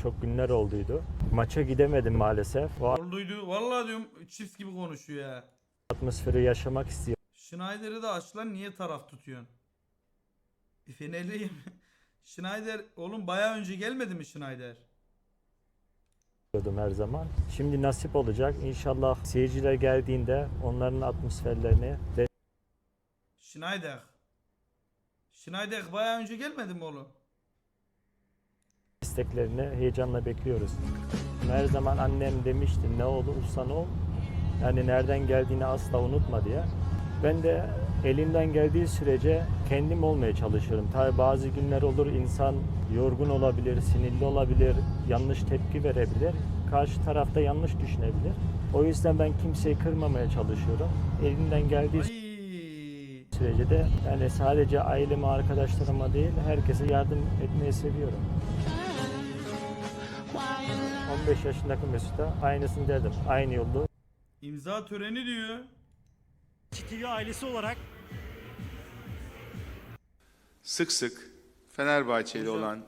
çok günler olduydu. Maça gidemedim maalesef. O Olduydu. Vallahi diyorum çift gibi konuşuyor ya. atmosferi yaşamak Schneider'i de aç lan, niye taraf tutuyorsun? Fenerliyim. Schneider oğlum bayağı önce gelmedi mi Schneider? istiyordum her zaman. Şimdi nasip olacak. İnşallah seyirciler geldiğinde onların atmosferlerini Schneider. Schneider bayağı önce gelmedi mi oğlum? desteklerini heyecanla bekliyoruz. Her zaman annem demişti ne olursan ol. Yani nereden geldiğini asla unutma diye. Ben de elimden geldiği sürece kendim olmaya çalışıyorum. Tabii bazı günler olur insan yorgun olabilir, sinirli olabilir, yanlış tepki verebilir. Karşı tarafta yanlış düşünebilir. O yüzden ben kimseyi kırmamaya çalışıyorum. Elimden geldiği Ay. sürece de yani sadece aileme, arkadaşlarıma değil herkese yardım etmeyi seviyorum. 15 yaşındaki Mesut'a aynısını derdim. Aynı yolda. İmza töreni diyor. TV ailesi olarak Sık sık Fenerbahçeli Hocam. olan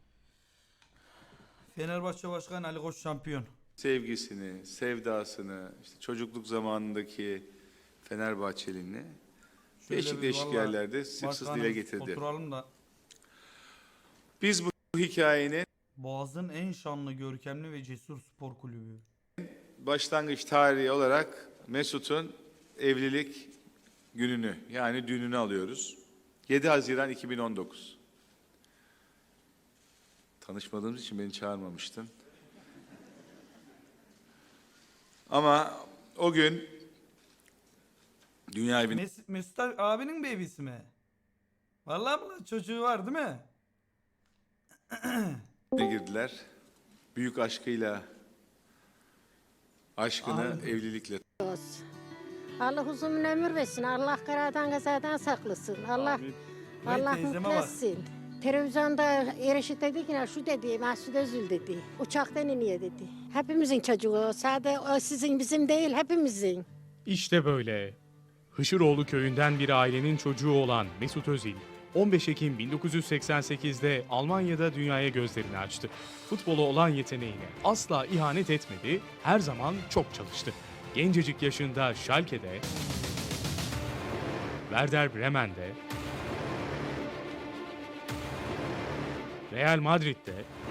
Fenerbahçe Başkanı Ali Koç şampiyon. sevgisini, sevdasını, işte çocukluk zamanındaki Fenerbahçeliğini değişik değişik vallahi yerlerde sık sık dile başkanım, getirdi. oturalım da. Biz bu hikayenin Boğaz'ın en şanlı, görkemli ve cesur spor kulübü. başlangıç tarihi olarak Mesut'un evlilik gününü yani düğününü alıyoruz. 7 Haziran 2019. Tanışmadığımız için beni çağırmamıştın. Ama o gün dünya evine Mesut abinin baby'si mi? Vallahi mi lan? Çocuğu var değil mi? girdiler. Büyük aşkıyla aşkını evlilikle Allah uzun ömür versin. Allah karadan kazadan saklasın. Allah Vay Allah teyzeme mutlu bak. etsin. Televizyonda Ereşit dedi ki şu dedi, Mesut Özil dedi. Uçaktan iniyor dedi. Hepimizin çocuğu. Sadece o sizin bizim değil hepimizin. İşte böyle. Hışıroğlu köyünden bir ailenin çocuğu olan Mesut Özil, 15 Ekim 1988'de Almanya'da dünyaya gözlerini açtı. Futbola olan yeteneğine asla ihanet etmedi, her zaman çok çalıştı. Gencecik yaşında Schalke'de, Werder Bremen'de, Real Madrid'de,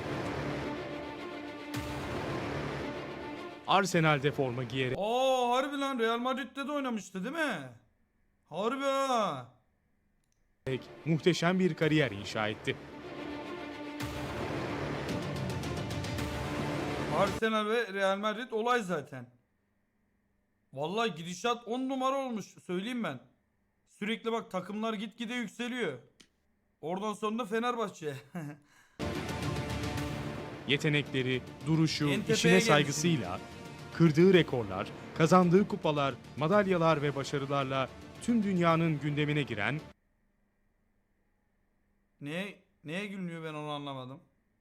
Arsenal'de forma giyerek Aa harbi lan, Real Madrid'de de oynamıştı değil mi? Harbi ha. muhteşem bir kariyer inşa etti. Arsenal ve Real Madrid olay zaten. Vallahi gidişat 10 numara olmuş söyleyeyim ben. Sürekli bak takımlar gitgide yükseliyor. Oradan sonra da Fenerbahçe. Yetenekleri, duruşu, En tepeye işine gelişi. saygısıyla, kırdığı rekorlar, kazandığı kupalar, madalyalar ve başarılarla tüm dünyanın gündemine giren Neye gülmüyor ben onu anlamadım.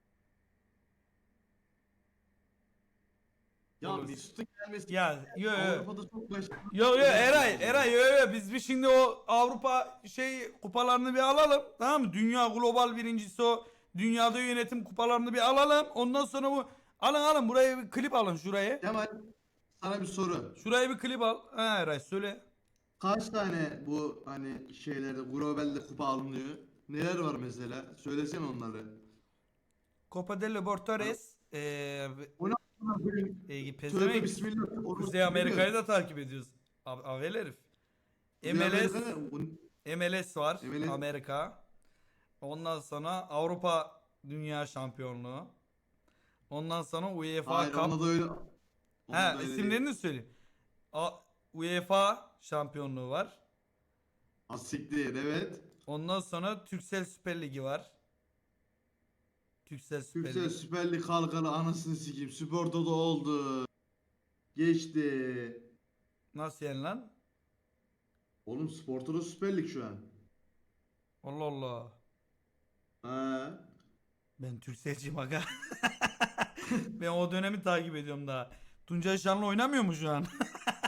Ya Olur. Mesut'un gelmesi Ya yo Avrupa'da çok başarılı. yo Eray yo biz bir şimdi o Avrupa kupalarını bir alalım, tamam mı? Dünya global birincisi o dünyada yönetim kupalarını bir alalım. Ondan sonra bu alın buraya bir klip alın şuraya. Kemal, sana bir soru. Şuraya bir klip al. Ha Eray söyle. Kaç tane bu hani şeylerde globalde kupa alınıyor? Neler var mesela? Söylesene onları. Copa del Libertadores O ne a**ına koyayım? Tövbe pezevenk. bismillah. Onu Kuzey Amerika'yı da takip ediyoruz. Avel herif. MLS MLS var. MLS. Amerika. Ondan sonra Avrupa Dünya Şampiyonluğu. Ondan sonra UEFA Hayır, Cup. onda da öyle. Ha Onda da öyle isimlerini değil. söyleyeyim. UEFA Şampiyonluğu var. Asiktir, evet. Ondan sonra Türksel Süper Ligi var. Türksel Süper Türksel Ligi. Süper Lig kalkalı anasını sikeyim. Spor'da da oldu. Geçti. Nasıl yani lan? Oğlum Spor'da da Süper Lig şu an. Allah Allah. Ha. Ben Türkselciyim aga. Ben o dönemi takip ediyorum daha. Tuncay Şanlı oynamıyor mu şu an?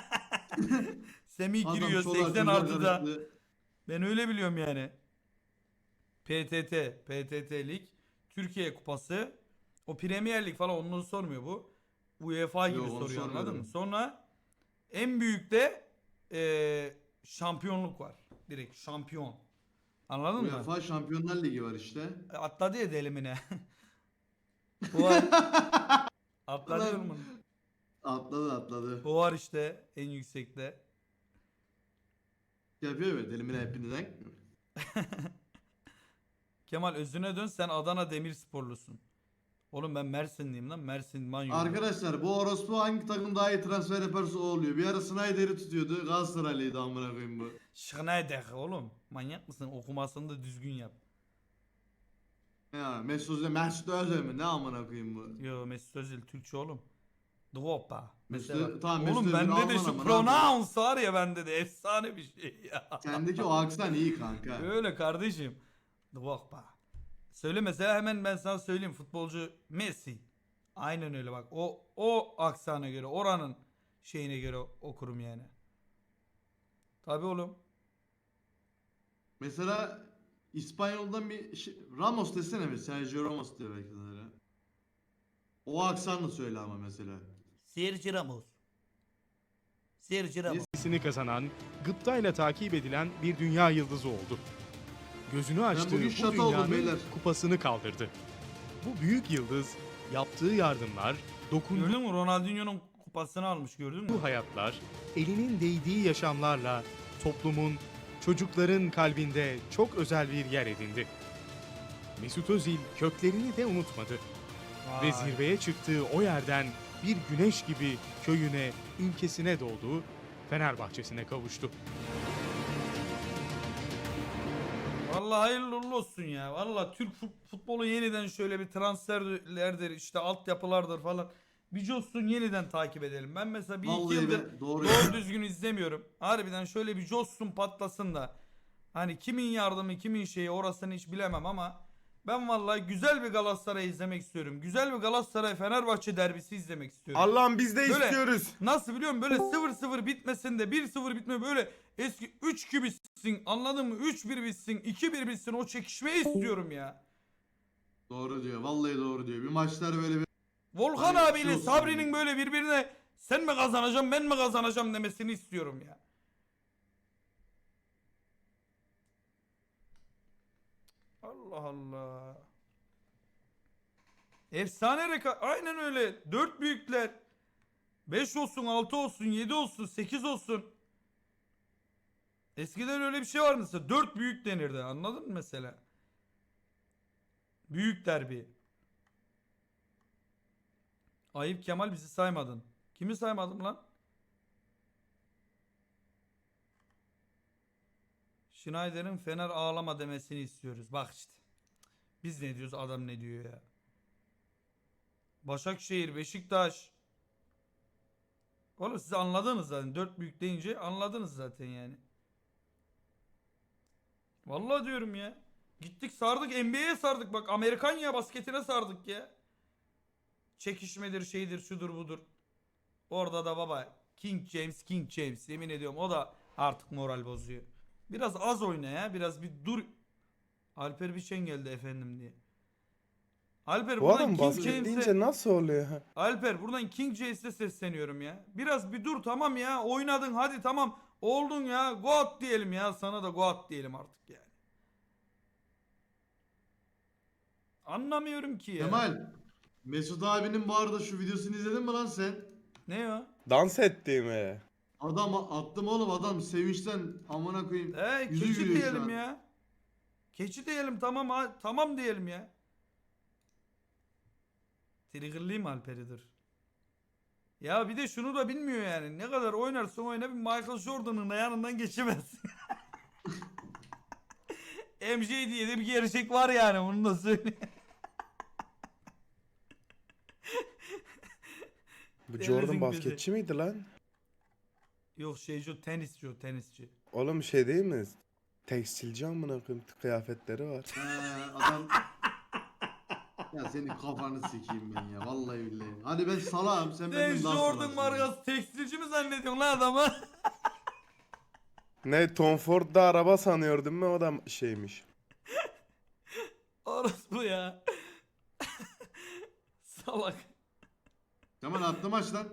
Semih Adam giriyor çolak 80 çocuk artıda. arası. Ben öyle biliyorum yani. PTT Lig, Türkiye Kupası, O Premier Lig falan onu sormuyor bu. UEFA gibi Yok, onu soruyor, anladın sormuyorum. mı? Sonra en büyükte şampiyonluk var. Direkt şampiyon. Anladın mı? UEFA Şampiyonlar Ligi var işte. Atladı ya delimine. O var. Atladı Ulan. oğlum. Atladı. O var işte en yüksekte. Yapıyor böyle delimine hepinizden. Kemal özüne dön, sen Adana Demirsporlusun. Oğlum ben Mersinliyim lan. Mersin Manyu. Arkadaşlar bu orospu hangi takım daha iyi transfer yaparsa o oluyor. Bir ara Snyder'i tutuyordu. Galatasaraylıydı amına koyayım bu. Schneider oğlum. Manyak mısın? Okumasını da düzgün yap. Ya Mesut Özil mi? Ne amına koyayım bu? Yo, Mesut Özil Türkçe oğlum. Dvopa. Mesut- Mesela. tamam, Mesut Oğlum Özil bende de Alman şu ama ne pronounce var ya, bende de efsane bir şey ya. Sendeki o aksan iyi kanka. Öyle kardeşim. Dvopa. Söyle mesela, hemen ben sana söyleyeyim, futbolcu Messi. Aynen öyle bak. O aksana göre, oranın şeyine göre okurum yani. Tabii oğlum. Mesela İspanyol'dan Ramos desene mi? Sergio Ramos diyor belki de öyle. O aksanla söyle ama mesela. Sergio Ramos. Sergio Ramos. Sini kazanan, gıptayla takip edilen bir dünya yıldızı oldu. Gözünü açtığı bugün bu şata oldum dünyanın beyler. kupasını kaldırdı. Bu büyük yıldız yaptığı yardımlar, dokunduğu Gördün mü? Ronaldinho'nun kupasını almış, gördün mü? hayatlar, elinin değdiği yaşamlarla toplumun, çocukların kalbinde çok özel bir yer edindi. Mesut Özil köklerini de unutmadı ve Vay. zirveye çıktığı o yerden bir güneş gibi köyüne, ülkesine doğdu, Fenerbahçesine kavuştu. Vallahi hayırlı uğurlu olsun ya. Vallahi Türk futbolu yeniden şöyle bir transferlerdir, işte altyapılardır falan. Bir coşsun, yeniden takip edelim. Ben mesela bir iki Vallahi yıldır be, doğru doğru ya. düzgün izlemiyorum. Harbiden şöyle bir coşsun, patlasın da. Hani kimin yardımı, kimin şeyi, orasını hiç bilemem ama ben vallahi güzel bir Galatasaray izlemek istiyorum. Güzel bir Galatasaray Fenerbahçe derbisi izlemek istiyorum. Allah'ım biz de Böyle- istiyoruz. Nasıl biliyor musun? Böyle 0-0 bitmesin de 1-0 bitme, böyle eski 3-2 bitsin, anladın mı? 3-1 bitsin, 2-1 bitsin, o çekişmeyi istiyorum ya. Doğru diyor. Vallahi doğru diyor. Bir maçlar böyle bir Volkan Hani abiyle şey olsun Sabri'nin yani. böyle birbirine sen mi kazanacaksın ben mi kazanacağım demesini istiyorum ya. Allah Allah. Efsane aynen öyle. 4 büyükler. 5 olsun, 6 olsun, 7 olsun, 8 olsun. Eskiden öyle bir şey var mesela. 4 büyük denirdi. Anladın mı mesela? Büyük derbi. Ayıp Kemal, bizi saymadın. Kimi saymadım lan? Schneider'in Fener ağlama demesini istiyoruz. Bak işte. Biz ne diyoruz, adam ne diyor ya. Başakşehir, Beşiktaş. Oğlum siz anladınız zaten. 4 büyük deyince anladınız zaten yani. Vallahi diyorum ya. Gittik sardık, NBA'ye sardık, bak Amerikan ya basketine sardık ya. Çekişmedir, şeydir, şudur budur. Orada da baba King James yemin ediyorum, o da artık moral bozuyor. Biraz az oyna ya, biraz bir dur. Alper Biçen geldi efendim diye. Alper Bu buradan adam King basket James'e, deyince nasıl oluyor? Alper buradan King James'e sesleniyorum ya. Biraz bir dur, tamam ya, oynadın hadi, tamam oldun ya, God diyelim ya, sana da God diyelim artık yani. Anlamıyorum ki ya. Kemal. Mesut abinin bu arada şu videosunu izledin mi lan sen? Ne o? Dans ettiğimi. Adam attım oğlum, adam sevinçten amına koyayım. Yüzü Keçi gülüyor şu diyelim an. ya. Keçi diyelim, tamam tamam diyelim ya. Triggerlıyım Alper'i, dur. Ya bir de şunu da bilmiyor yani. Ne kadar oynarsan oyna bir Michael Jordan'ın da yanından geçemezsin. MJ diye de bir gerçek var yani, bunu da söyleyeyim. Bu Devletin Jordan gözü. basketçi miydi lan? Yok şeyci, tenisçi o, tenisçi. Oğlum şey değil mi? Tekstilci amına koyayım, kıyafetleri var. Adam... Ya senin kafanı sikeyim ben ya, vallahi billahi. Hadi ben salağım, sen Sen benden daha Jordan salaksın. markası tekstilci mi zannediyorsun lan adamı? Ne Tom Ford'da araba sanıyordum ben, o da şeymiş. Orası bu ya. Salak. Kemal attım aç lan.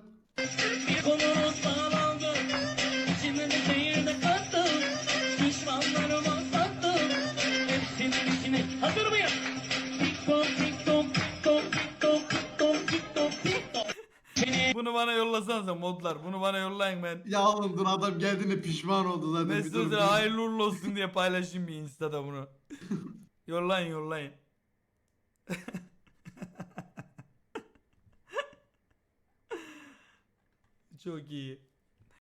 Bunu bana yollasanıza modlar. Bunu bana yollayın ben. Ya oğlum dur adam geldiğinde pişman oldu zaten. Bir Mesut dur, Özil bir- hayırlı uğurlu olsun diye paylaşayım bir Insta'da bunu. Yollayın yollayın. Çok iyi.